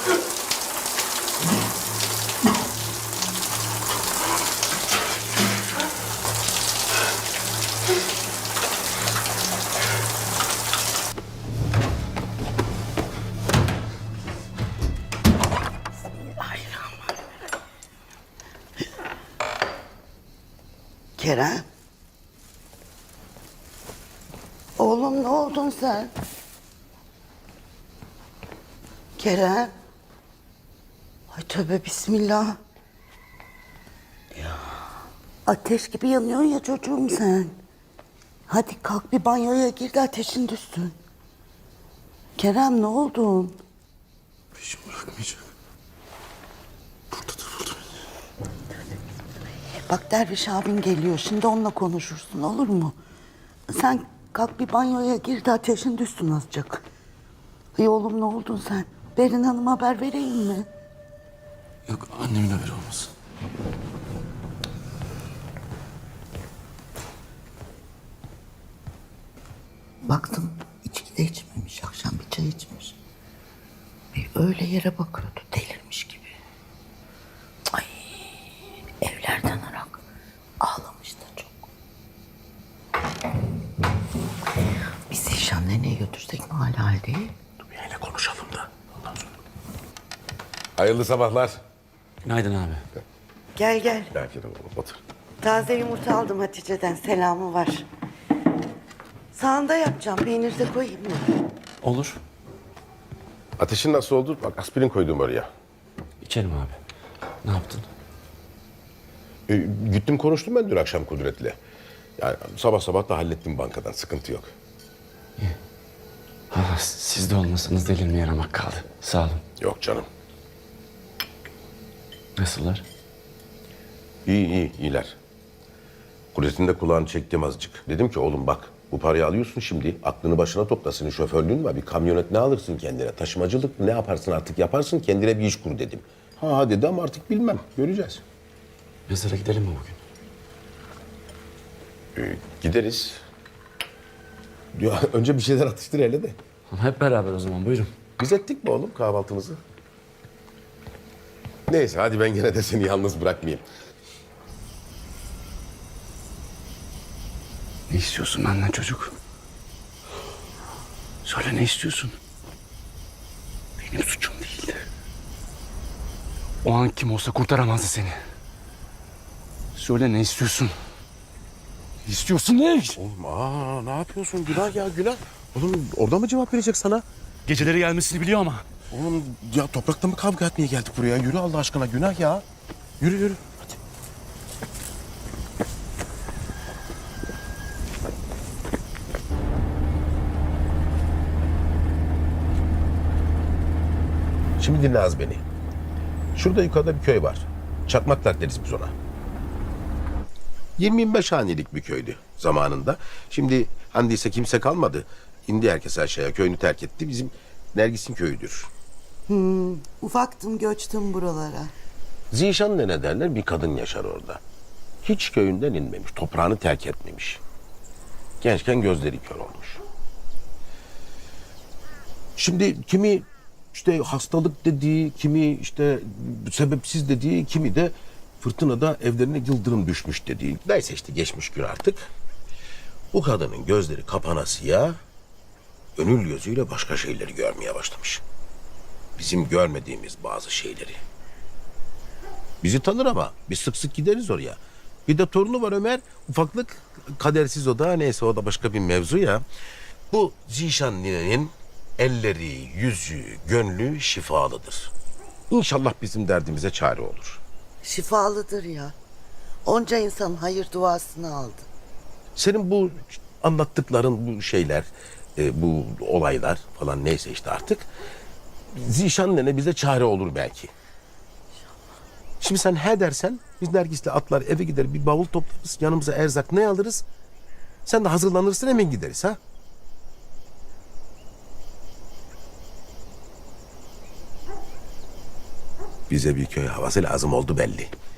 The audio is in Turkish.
Kerem. Oğlum ne oldun sen? Kerem. Ay tövbe bismillah. Ya. Ateş gibi yanıyorsun ya çocuğum sen. Hadi kalk bir banyoya gir de ateşin düşsün. Kerem ne oldun? Peşim bırakmayacak. Buradadır burada beni. Bak Derviş abin geliyor. Şimdi onunla konuşursun olur mu? Sen kalk bir banyoya gir de ateşin düşsün azıcık. İyi oğlum ne oldun sen? Berin Hanım'a haber vereyim mi? Yok, annemin haberi olmasın. Baktım içki de içmemiş. Akşam bir çay içmiş. Öyle yere bakıyordu delirmiş gibi. Ay evlerden arak ağlamış da çok. Biz Zişan neneye götürsek mi hala değil? Dünyayla konuşalım da ondan sonra. Hayırlı sabahlar. Günaydın abi. Gel gel. Belki de otur. Taze yumurta aldım Hatice'den. Selamı var. Sağında yapacağım. Peynir de koyayım mı? Olur. Ateşin nasıl oldu? Bak aspirin koydum oraya. İçerim abi. Ne yaptın? Gittim konuştum ben dün akşam Kudret'le. Yani sabah sabah da hallettim bankadan. Sıkıntı yok. Ha, siz de olmasanız delirmeye yaramak kaldı. Sağ olun. Yok canım. Nasıllar? İyiler. Kudret'in de kulağını çektim azıcık. Dedim ki oğlum bak bu parayı alıyorsun şimdi. Aklını başına topla. Senin şoförlüğün var. Bir kamyonet ne alırsın kendine? Taşımacılık ne yaparsın artık yaparsın. Kendine bir iş kur dedim. Ha dedi ama artık bilmem. Göreceğiz. Mezara gidelim mi bugün? Gideriz. Ya, önce bir şeyler atıştır hele de. Ama hep beraber o zaman, buyurun. Biz ettik mi oğlum kahvaltımızı? Neyse hadi ben gene de seni yalnız bırakmayayım. Ne istiyorsun benden çocuk? Söyle ne istiyorsun? Benim suçum değildi. O an kim olsa kurtaramazdı seni. Söyle ne istiyorsun? Ne istiyorsun ne? Oğlum ne yapıyorsun? Günah ya günah. Oğlum orada mı cevap verecek sana? Geceleri gelmesini biliyor ama. Oğlum ya toprakta mı kavga etmeye geldik buraya? Yürü Allah aşkına günah ya. Yürü. Hadi. Şimdi dinle az beni. Şurada yukarıda bir köy var. Çakmaklar deriz biz ona. 20-25 hanelik bir köydü zamanında. Şimdi handiyse kimse kalmadı. İndi herkes aşağıya, köyünü terk etti. Bizim Nergis'in köyüdür. Ufaktım göçtüm buralara. Zişan ne derler? Bir kadın yaşar orada. Hiç köyünden inmemiş, toprağını terk etmemiş. Gençken gözleri kör olmuş. Şimdi kimi işte hastalık dediği, kimi işte sebepsiz dediği, kimi de fırtınada evlerine yıldırım düşmüş dediği. Neyse işte geçmiş gün artık. Bu kadının gözleri kapanasıya gönül gözüyle başka şeyleri görmeye başlamış. Bizim görmediğimiz bazı şeyleri. Bizi tanır ama biz sık sık gideriz oraya. Bir de torunu var Ömer. Ufaklık kadersiz o da neyse o da başka bir mevzu ya. Bu Zişan ninenin elleri, yüzü, gönlü şifalıdır. İnşallah bizim derdimize çare olur. Şifalıdır ya. Onca insan hayır duasını aldı. Senin bu anlattıkların bu şeyler, bu olaylar falan neyse işte artık Zişan nene bize çare olur belki. Şimdi sen he dersen biz Nergis'le atlar eve gider bir bavul toplarız yanımıza erzak ne alırız? Sen de hazırlanırsın hemen gideriz ha? Bize bir köy havası lazım oldu belli.